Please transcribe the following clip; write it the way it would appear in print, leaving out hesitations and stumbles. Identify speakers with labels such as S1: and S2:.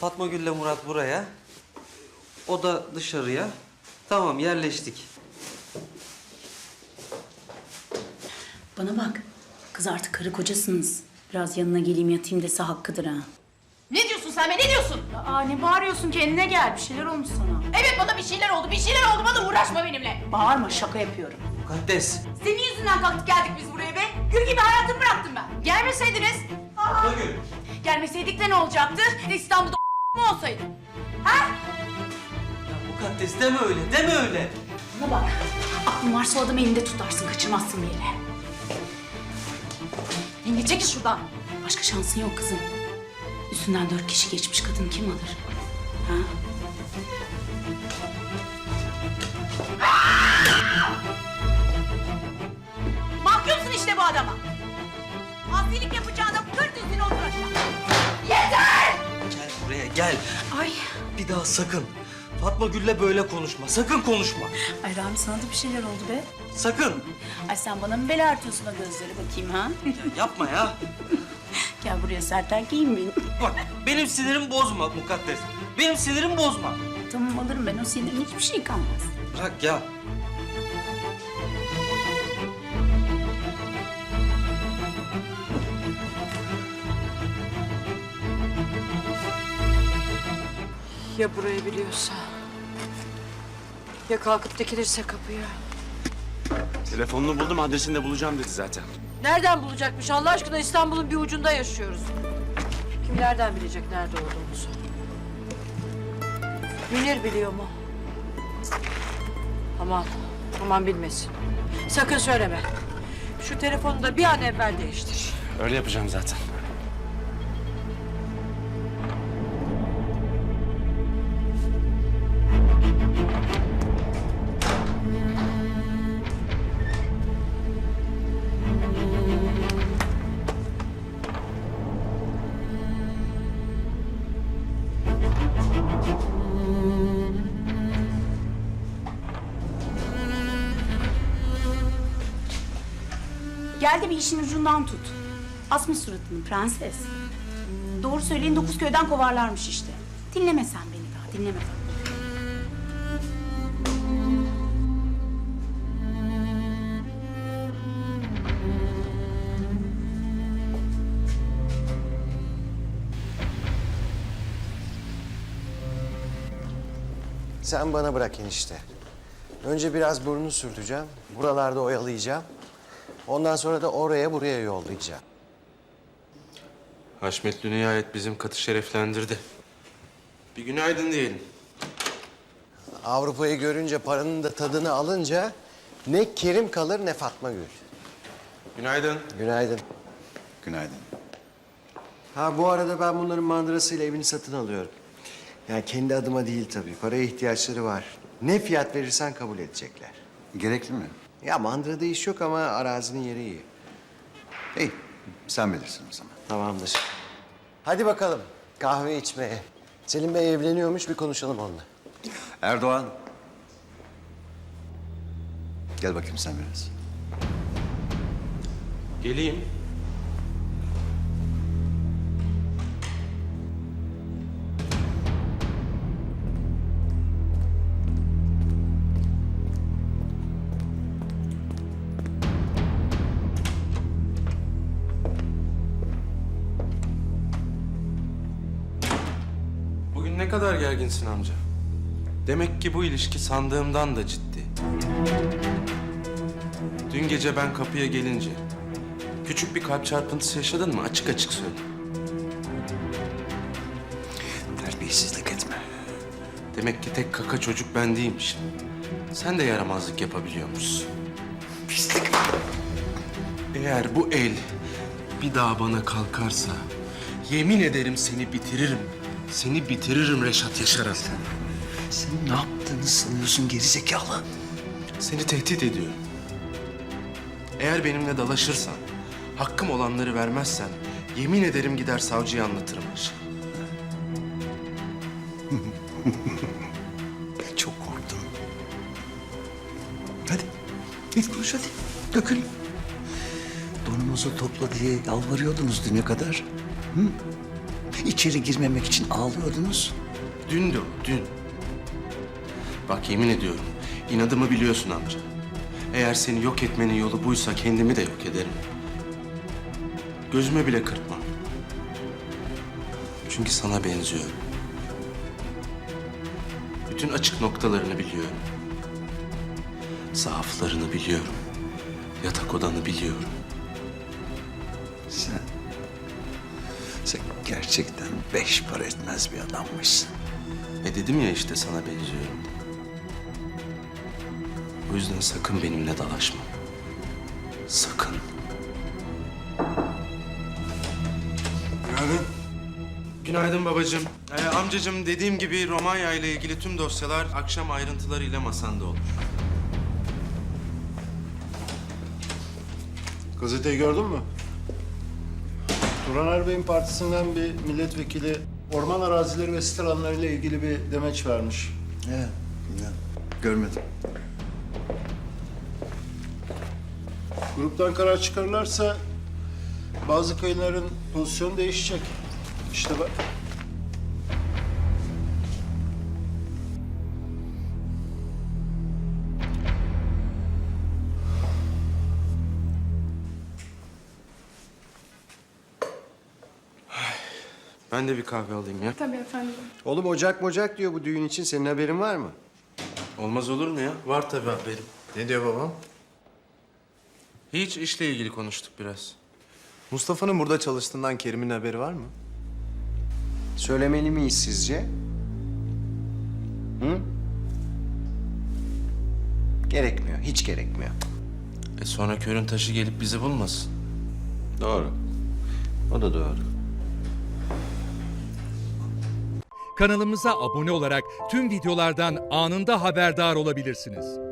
S1: Fatma Gül'le Murat buraya. O da dışarıya. Tamam, yerleştik.
S2: Bana bak. Kız artık karı kocasınız. Biraz yanına geleyim yatayım dese hakkıdır ha.
S3: Ne diyorsun sen be, ne diyorsun?
S2: Aa ne bağırıyorsun, kendine gel. Bir şeyler olmuş sana.
S3: Evet, bana bir şeyler oldu, bana uğraşma benimle.
S2: Bağırma, şaka yapıyorum.
S1: Mukaddes.
S3: Senin yüzünden kalktık geldik biz buraya be. Gül gibi hayatımı bıraktım ben. Gelmeseydiniz.
S1: Fatma Gül.
S3: Gelmeseydik de ne olacaktı? İstanbul'da mu olsaydı? Ha?
S1: Ya Mukaddes deme öyle, deme öyle.
S2: Bana bak. Aklın varsa o adamı elinde tutarsın, kaçırmazsın bir yere.
S3: Yenge çekil şuradan.
S2: Başka şansın yok kızım. Üstünden 4 kişi geçmiş, kadın kim alır? Ha?
S3: Mahkumsun işte bu adama. Asilik yapacağına kır dizini otur aşağı. Yeter!
S1: Gel buraya, gel.
S2: Ay.
S1: Bir daha sakın. Fatma Gül'le böyle konuşma. Sakın konuşma.
S2: Ay Rami, sana da bir şeyler oldu be.
S1: Sakın.
S2: Ay sen bana mı bela artıyorsun o gözleri bakayım ha?
S1: Ya yapma ya.
S2: Gel buraya sert erkeğim benim.
S1: Bak, benim sinirimi bozma Mukaddes. Benim sinirimi bozma.
S2: Tamam alırım ben o sinirin, hiçbir şey kalmaz.
S1: Bırak ya.
S4: Ya burayı biliyorsa? Ya kalkıp dikilirse kapıya?
S5: Telefonunu buldum, adresini de bulacağım dedi zaten.
S4: Nereden bulacakmış Allah aşkına? İstanbul'un bir ucunda yaşıyoruz. Kim nereden bilecek nerede olduğumuzu? Münir biliyor mu? Aman, aman bilmesin. Sakın söyleme. Şu telefonu da bir an evvel değiştir.
S5: Öyle yapacağım zaten.
S2: Gel de bir işin ucundan tut. Asma suratını prenses. Doğru söyleyin, 9 köyden kovarlarmış işte. Dinleme sen beni daha, dinleme.
S6: Sen bana bırak enişte. Önce biraz burnunu sürteceğim, buralarda oyalayacağım. Ondan sonra da oraya buraya yollayacağım.
S7: Haşmetli nihayet bizim katı şereflendirdi. Bir günaydın diyelim.
S6: Avrupa'yı görünce, paranın da tadını alınca ne Kerim kalır ne Fatma Gül.
S7: Günaydın.
S6: Günaydın.
S5: Günaydın.
S6: Ha bu arada ben bunların mandırasıyla evini satın alıyorum. Yani kendi adıma değil tabii. Paraya ihtiyaçları var. Ne fiyat verirsen kabul edecekler.
S8: Gerekli mi?
S6: Ya mandırada iş yok ama arazinin yeri iyi.
S8: İyi, sen bilirsin o zaman.
S6: Tamamdır. Hadi bakalım kahve içmeye. Selim Bey evleniyormuş, bir konuşalım onunla.
S8: Erdoğan. Gel bakayım sen biraz.
S7: Geleyim. Bugün ne kadar gerginsin amca? Demek ki bu ilişki sandığımdan da ciddi. Dün gece ben kapıya gelince küçük bir kalp çarpıntısı yaşadın mı? Açık açık söyle.
S8: Terbiyesizlik etme.
S7: Demek ki tek kaka çocuk ben değilmişim. Sen de yaramazlık yapabiliyormuşsun.
S8: Pislik.
S7: Eğer bu el bir daha bana kalkarsa yemin ederim seni bitiririm. Seni bitiririm Reşat Yaşar'a.
S8: Sen ne yaptığını sanıyorsun gerizekalı?
S7: Seni tehdit ediyorum. Eğer benimle dalaşırsan, hakkım olanları vermezsen yemin ederim gider savcıya anlatırım Reşat.
S8: Çok korktum. Hadi, git konuş hadi. Dökül. Donunuzu topla diye yalvarıyordunuz düne kadar. Hı? İçeri girmemek için ağlıyordunuz.
S7: Dün de o, dün. Bak yemin ediyorum, inadımı biliyorsun amca. Eğer seni yok etmenin yolu buysa kendimi de yok ederim. Gözüme bile kırpmam. Çünkü sana benziyorum. Bütün açık noktalarını biliyorum. Zaaflarını biliyorum. Yatak odanı biliyorum.
S8: Sen gerçekten 5 para etmez bir adammışsın.
S7: Dedim ya işte sana benziyorum. O yüzden sakın benimle dalaşma. Sakın.
S6: Günaydın.
S7: Günaydın babacığım. Amcacığım dediğim gibi Romanya ile ilgili tüm dosyalar akşam ayrıntılarıyla masanda olur.
S9: Gazeteyi gördün mü? Turan Erbey'in partisinden bir milletvekili orman arazileri ve sit alanlarıyla ilgili bir demeç vermiş.
S8: He, görmedim.
S9: Gruptan karar çıkarırlarsa bazı kayınların pozisyonu değişecek. İşte bak.
S7: Ben de bir kahve alayım ya.
S6: Oğlum ocak diyor bu düğün için. Senin haberin var mı?
S7: Olmaz olur mu ya? Var tabii haberim.
S10: Ne diyor babam?
S7: Hiç işle ilgili konuştuk biraz.
S10: Mustafa'nın burada çalıştığından Kerim'in haberi var mı?
S6: Söylemeli miyiz sizce? Hı? Gerekmiyor, hiç gerekmiyor.
S7: Sonra körün taşı gelip bizi bulmasın.
S6: Doğru. O da doğru.
S11: Kanalımıza abone olarak tüm videolardan anında haberdar olabilirsiniz.